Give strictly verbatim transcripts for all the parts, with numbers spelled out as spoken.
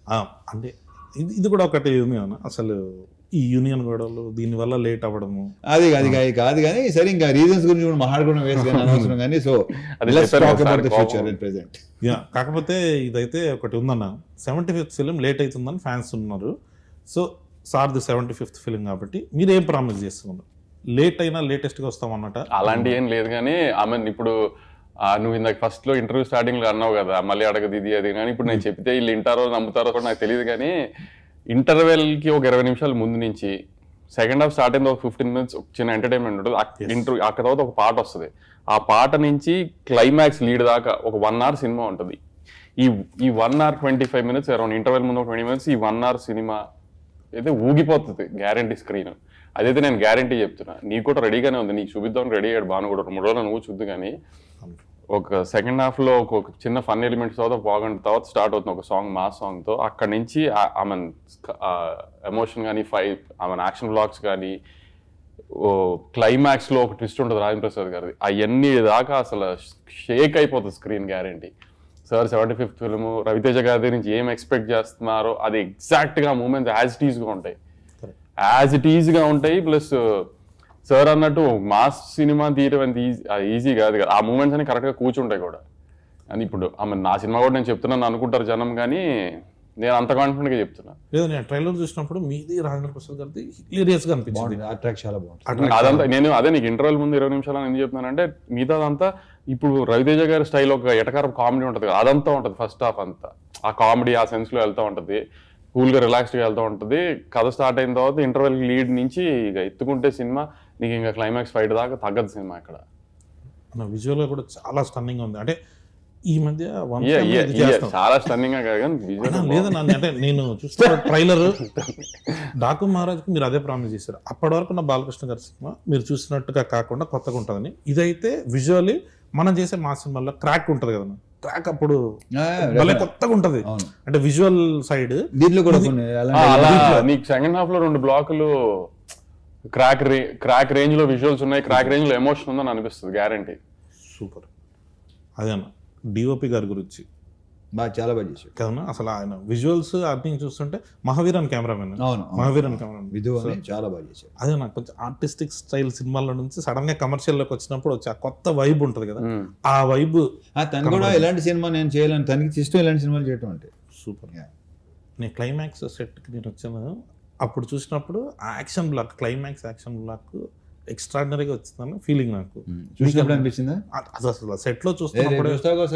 అంటే ఇది ఇది కూడా ఒకటి ఉంది అన్న, అసలు ఈ యూనియన్ గొడవలు దీనివల్ల లేట్ అవ్వడము అది అది కాదు కానీ సరే ఇంకా రీజన్స్ గురించి కూడా మాట్లాడుకోవడం వేస్ట్ కానీ అనవసరం కానీ సో ఫ్యూచర్ ప్రెసెంట్. యా కాకపోతే ఇదైతే ఒకటి ఉందన్న, సెవెంటీ ఫిఫ్త్ ఫిలిం లేట్ అవుతుందని ఫ్యాన్స్ ఉన్నారు. సో సార్ది సెవెంటీ ఫిఫ్త్ ఫిలిం కాబట్టి మీరు ఏం ప్రామిస్ చేస్తున్నారు? లేట్ అయినా లేటెస్ట్గా వస్తామన్నట అలాంటి ఏం లేదు కానీ ఆమె ఇప్పుడు నువ్వు ఇందాక ఫస్ట్ లో ఇంటర్వ్యూ స్టార్టింగ్ లో అన్నావు కదా మళ్ళీ అడగదు ఇది అది కానీ ఇప్పుడు నేను చెప్తే వీళ్ళు వింటారో నమ్ముతారో కూడా నాకు తెలియదు కానీ ఇంటర్వెల్ కి ఒక ఇరవై నిమిషాల ముందు నుంచి సెకండ్ హాఫ్ స్టార్ట్ అయింది ఒక ఫిఫ్టీన్ మినిట్స్ చిన్న ఎంటర్టైన్మెంట్ ఉంటుంది. ఇంటర్వ్యూ అక్కడ తర్వాత ఒక పాట వస్తుంది, ఆ పాట నుంచి క్లైమాక్స్ లీడ్ దాకా ఒక వన్ అవర్ సినిమా ఉంటుంది. ఈ ఈ one hour twenty five minutes around interval ముందు ఒక ట్వంటీ మినిట్స్ ఈ వన్ అవర్ సినిమా అయితే ఊగిపోతుంది గ్యారంటీ స్క్రీన్. అదైతే నేను గ్యారంటీ చెప్తున్నా. నీకు కూడా రెడీగానే ఉంది, నీకు చూపిద్దాం రెడీ అయ్యాడు బాను కూడా మూడు రోజులు నువ్వు చూద్దు. కానీ ఒక సెకండ్ హాఫ్ లో ఒక చిన్న ఫన్ ఎలిమెంట్స్ తర్వాత బాగుంటుంది, తర్వాత స్టార్ట్ అవుతుంది ఒక సాంగ్ మాస్ సాంగ్ తో. అక్కడ నుంచి ఆమె ఎమోషన్ కానీ ఫైట్ ఆమె యాక్షన్ బ్లాక్స్ కానీ క్లైమాక్స్ లో ఒక ట్విస్ట్ ఉంటుంది రాజేంద్ర ప్రసాద్ గారిది, అవన్నీ దాకా అసలు షేక్ అయిపోతుంది screen guarantee. Sir seventy fifth film Ravi Teja గారి నుంచి ఏం ఎక్స్పెక్ట్ చేస్తున్నారో అది ఎగ్జాక్ట్ గా మూమెంట్స్ యాజ్ ఇట్ ఈజ్ గా ఉంటాయి యాజ్ ఇట్ ఈజ్ గా ఉంటాయి. ప్లస్ సార్ అన్నట్టు మాస్ సినిమా తీయడం అంత ఈజీ ఈజీ కాదు కదా, ఆ మూమెంట్స్ అన్ని కరెక్ట్ గా కూర్చుంటాయి కూడా. అని ఇప్పుడు ఆమె నా సినిమా కూడా నేను చెప్తున్నాను అనుకుంటారు జనం, కానీ నేను అంత కాన్ఫిడెంట్ గా చెప్తున్నా. లేదు నేను ట్రైలర్ చూసినప్పుడు మీది రాజేంద్ర ప్రసాద్ గారిది హిలేరియస్ గా అనిపించింది, చాలా బాగుంది అదంతా. నేను అదే నీకు ఇంటర్వెల్ ముందు ఇరవై నిమిషాలు ఎందుకు చెప్తున్నానంటే మిగతా అదంతా ఇప్పుడు రవితేజ గారి స్టైల్ ఒక ఎటకారం కామెడీ ఉంటుంది కదా, అదంతా ఉంటుంది ఫస్ట్ హాఫ్ అంతా. ఆ కామెడీ ఆ సెన్స్ లో వెళ్తూ ఉంటుంది, కూల్ గా రిలాక్స్డ్ గా వెళ్తూ ఉంటుంది. కథ స్టార్ట్ అయిన తర్వాత ఇంటర్వెల్ లీడ్ నుంచి ఇక ఎత్తుకుంటే సినిమా నీకు ఇంకా క్లైమాక్స్ ఫైట్ దాకా తగ్గదు సినిమా. ఇక్కడ విజువల్ గా కూడా చాలా స్టన్నింగ్ ఉంది. అంటే ఈ మధ్య చాలా స్టన్నింగ్ గా కాదు లేదన్నా, అంటే నేను చూస్తున్న ట్రైలర్ డాకు మహారాజ్కి మీరు అదే ప్రామిస్ చేశారు. అప్పటి వరకు నా బాలకృష్ణ గారి సినిమా మీరు చూసినట్టుగా కాకుండా కొత్తగా ఉంటుందని, ఇదైతే విజువల్లీ మనం చేసే మా సినిమాలో క్రాక్ ఉంటుంది కదా, క్రాక్ అప్పుడు భలే కొత్తగా ఉంటది. అంటే విజువల్ సైడ్ దీంట్లో కూడా నీకు సెకండ్ హాఫ్ లో రెండు బ్లాకులు క్రాక్ రే క్రాక్ రేంజ్ లో విజువల్స్ ఉన్నాయి, క్రాక్ రేంజ్ లో ఎమోషన్ ఉందని అనిపిస్తుంది గ్యారంటీ. సూపర్. అదేనా డిఓపి గారి గురించి బాగా చాలా బాగా చేశాడు కదా అసలు ఆయన విజువల్స్ అన్ని చూస్తుంటే మహావీరన్ కెమెరామెన్ మహావీరన్ కెమెరామెన్ చాలా బాగా చేశాడు. అదే నాకు కొంచెం ఆర్టిస్టిక్ స్టైల్ సినిమాల నుంచి సడన్ గా కమర్షియల్ లోకి వచ్చినప్పుడు వచ్చి ఆ కొత్త వైబ్ ఉంటుంది కదా, ఆ వైబ్ తను కూడా ఎలాంటి సినిమా నేను చేయాలని తనకి ఇష్టం ఇలాంటి సినిమాలు చేయటం అంటే సూపర్. నేను క్లైమాక్స్ సెట్కి నేను వచ్చాను అప్పుడు చూసినప్పుడు ఆ action block climax action block ఎక్స్ట్రాడినరీగా వచ్చిందని ఫీలింగ్ నాకు. చూసినప్పుడు అనిపించిందా? అది అసలు సెట్ లో చూస్తున్నప్పుడు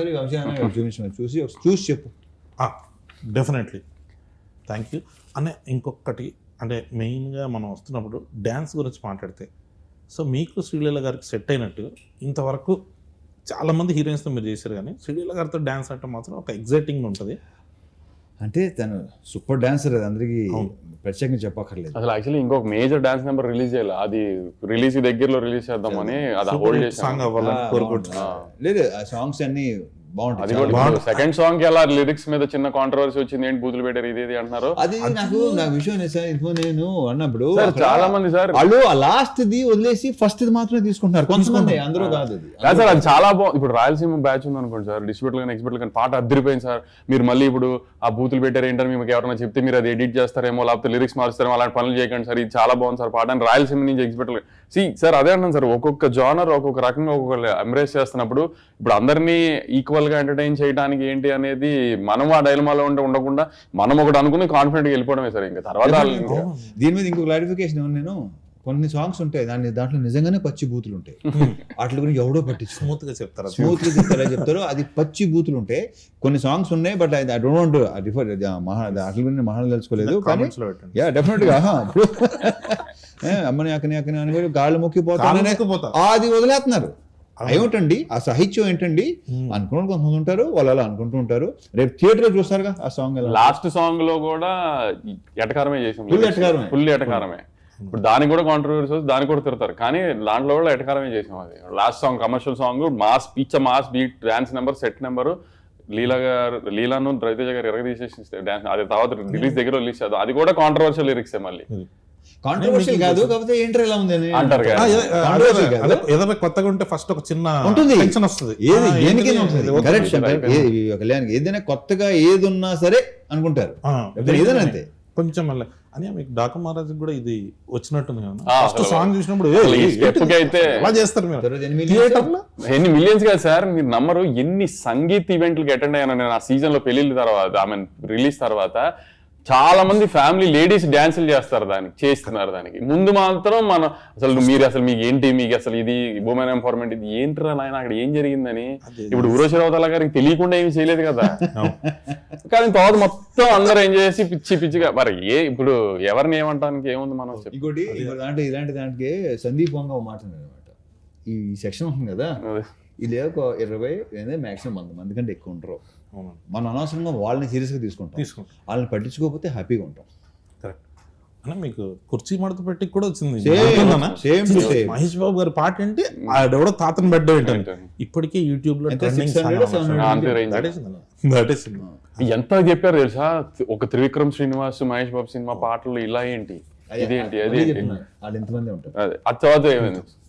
చూసి చూసి చెప్పు. డెఫినెట్లీ థ్యాంక్ యూ అనే. ఇంకొకటి అంటే మెయిన్గా మనం వస్తున్నప్పుడు డ్యాన్స్ గురించి మాట్లాడితే, సో మీకు శ్రీలీల గారికి సెట్ అయినట్టు ఇంతవరకు చాలామంది హీరోయిన్స్తో మీరు చేశారు, కానీ శ్రీలీల గారితో డ్యాన్స్ అంటే మాత్రం ఒక ఎగ్జైటింగ్ ఉంటుంది. అంటే తను సూపర్ డాన్సర్, అది అందరికీ ప్రత్యేకంగా చెప్పక్కర్లేదు. అసలు యాక్చువల్లీ ఇంకొక మేజర్ డాన్స్ నెంబర్ రిలీజ్ చేయాలి, అది రిలీజ్ దగ్గరలో రిలీజ్ చేద్దామని అది హోల్డ్ చేసి సాంగ్ అవ్వాలని కోరుకుంటున్నా. లేదు ఆ సాంగ్స్ అన్ని బాగుంటాయి. సెకండ్ సాంగ్ కి అలా లిరిక్స్ మీద చిన్న కాంట్రవర్సీ వచ్చింది, ఏంటి బూతులు పెట్టారు ఇది ఇది అంటున్నారు. అది నాకు నా విషయం నేను అన్నప్పుడు చాలా మంది సార్ వాళ్ళు ఆ లాస్ట్ ది వదిలేసి ఫస్ట్ ది మాత్రమే తీసుకుంటున్నారు కొంతమంది, అందరూ కాదు. అది సార్ అది చాలా బాగుంది. ఇప్పుడు రాయలసీమ బ్యాచ్ ఉంది అనుకోండి సార్, డిస్ట్రిబ్యూటర్ కానీ ఎక్స్పర్ట్ కానీ పాట అద్దరిపోయింది సార్, మీరు మళ్ళీ ఇప్పుడు ఆ బూతులు పెట్టారు ఏంటని మీకు ఎవరైనా చెప్తే మీరు అది ఎడిట్ చేస్తారేమో లేకపోతే లిరిక్స్ మారుస్తారేమో అలాంటి పనులు చేయకండి సార్, ఇది చాలా బాగుంది సార్ పాట అని రాయలసీమ నుంచి ఎక్స్పర్ట్. సి సార్ అదే అంటాను సార్, ఒక్కొక్క జానర్ ఒక్కొక్క రకంగా ఒక్కొక్క ఎంబ్రేస్ చేస్తున్నప్పుడు ఇప్పుడు అందరినీ ఈక్వల్ గా ఎంటర్టైన్ చేయడానికి ఏంటి అనేది మనం ఆ డైలమాలో ఉంటే ఉండకుండా మనం ఒకటి అనుకుని కాన్ఫిడెంట్ గా వెళ్ళిపోవడమే సార్. ఇంకా తర్వాత దీని మీద ఇంకో క్లారిఫికేషన్ నేను కొన్ని సాంగ్స్ ఉంటాయి దాని దాంట్లో నిజంగానే పచ్చి బూతులు ఉంటాయి, వాటి గురించి ఎవడో పట్టించు స్మూత్ గా చెప్తారు స్మూత్ గా చెప్తారా చెప్తారు అది పచ్చి బూతులు ఉంటాయి. కొన్ని సాంగ్స్ ఉన్నాయి బట్ ఐ డోంట్ రిఫర్ మహా వాటి గురించి మహా తెలుసుకోలేదు, కానీ యా డెఫినెట్ గా అమ్మని అక్కని అక్కని అని గాళ్ళు మొక్కిపోతా అది వదిలేస్తున్నారు. ఏమిటండి ఆ సాహిత్యం ఏంటండి అనుకున్న కొంతమంది ఉంటారు, వాళ్ళు అలా అనుకుంటూ ఉంటారు. రేపు థియేటర్ లో చూస్తారుగా ఆ సాంగ్. లాస్ట్ సాంగ్ లో కూడా ఎటకారమే చేసాం, ఫుల్ ఎటకారమే ఫుల్ ఎటకారమే. ఇప్పుడు దానికి కూడా కాంట్రవర్సీ దానికి కూడా తిడతారు, కానీ దాంట్లో కూడా ఎటకారమే చేసాం. అది last song commercial song, mass పిచ్చ mass beat dance number set number Leela గారు లీలాను రవితేజ గారు ఎరగ తీసేసి డాన్స్ అది తర్వాత రిలీజ్ దగ్గర రిలీజ్ చేద్దాం, అది కూడా కాంట్రవర్షియల్ లిరిక్స్ మళ్ళీ. కాంట్రవర్షియల్ కాదు, కాకపోతే ఏంటర్ ఎలా ఉంది అని అంటారు కదా. ఆ, ఏ- అదే- Controversial అదే- కాదు. అదే ఏదైనా కొత్తగా ఉంటే ఫస్ట్ ఒక చిన్న ఉంటుంది. టెన్షన్ వస్తుంది. ఏది ఆ, దేనికైనా ఏంటిది? ఉంటుంది. ఇది కరెక్ట్ వద్దు. శంకర్. ఏ- ఈ కళ్యాణ్కి ఏదైనా కొత్తగా ఏది ఉన్నా సరే అనుకుంటారు. ఆ, లేకపోతే ఏదైనా అంతే. కొంచెం మళ్ళీ అని మీకు డాకు మహారాజ్ కూడా ఇది వచ్చినట్టుంది కదా. ఆ, ఫస్ట్ అసలు సాంగ్ చూసినప్పుడు అసలు ఈ "ఏయ్, step ఏంటిది? కి అయితే ఎలా చేస్తారు మీరు తర్వాత ఎనిమిది థియేటర్ లో ఎన్ని మిలియన్స్ కాదు సార్, మీరు నమ్మరు ఎన్ని సంగీత్ ఈవెంట్లకి అటెండ్ అయ్యాను నేను ఆ సీజన్ లో పెళ్లిళ్ళ తర్వాత, ఐ మీన్ రిలీజ్ తర్వాత. చాలా మంది ఫ్యామిలీ లేడీస్ డాన్సులు చేస్తారు, దానికి చేస్తున్నారు. దానికి ముందు మాత్రం మనం అసలు మీరు అసలు మీకు ఏంటి, మీకు అసలు ఇది ఉమెన్ ఎంపవర్మెంట్ ఇది ఏంటిరా నాయన, అక్కడ ఏం జరిగిందని. ఇప్పుడు ఉరోశిరావతల గారికి తెలియకుండా ఏమి చేయలేదు కదా. కానీ తర్వాత మొత్తం అందరూ ఏం చేసి పిచ్చి పిచ్చిగా మరి ఏ ఇప్పుడు ఎవరిని ఏమంటానికి ఏముంది మనం చెప్పి. ఇంకోటి ఇంకో దాంట్లో ఇలాంటి దాంట్లో సందీప్ వంగ ఒక మాట అనమాట. ఈ సెక్షన్ ఉంది కదా, ఇది ఒక ఇరవై మాక్సిమం వంద మంది కంటే ఎక్కువ ఉంటారు. అవును. మనం అనవసరంగా వాళ్ళని సీరియస్గా తీసుకుంటాం. తీసుకుంటాం. వాళ్ళని పట్టించుకోకపోతే హ్యాపీగా ఉంటాం. కరెక్ట్ అన్న. మీకు కుర్చీ మడత పెట్టి కూడా వచ్చింది. Same, గుర్తుందన్నా? same to same. Mahesh బాబు గారి పాట ఏంటి, ఆడెవడో తాతను బెడ్ ఏంటంటే ఇప్పటికే యూట్యూబ్ లో ఎంత trending six hundred, seven hundred? అంతే range. దట్ ఈస్ ఎంత చెప్పారు తెలుసా, ఒక త్రివిక్రమ్ శ్రీనివాస్ మహేష్ బాబు సినిమా పాటలు ఇలా ఏంటి, ఇదేంటి అదే అదేంటి, చెప్తున్నా. వాళ్ళు ఎంతమంది ఉంటారు. అదే ఆ తర్వాత ఏమైంది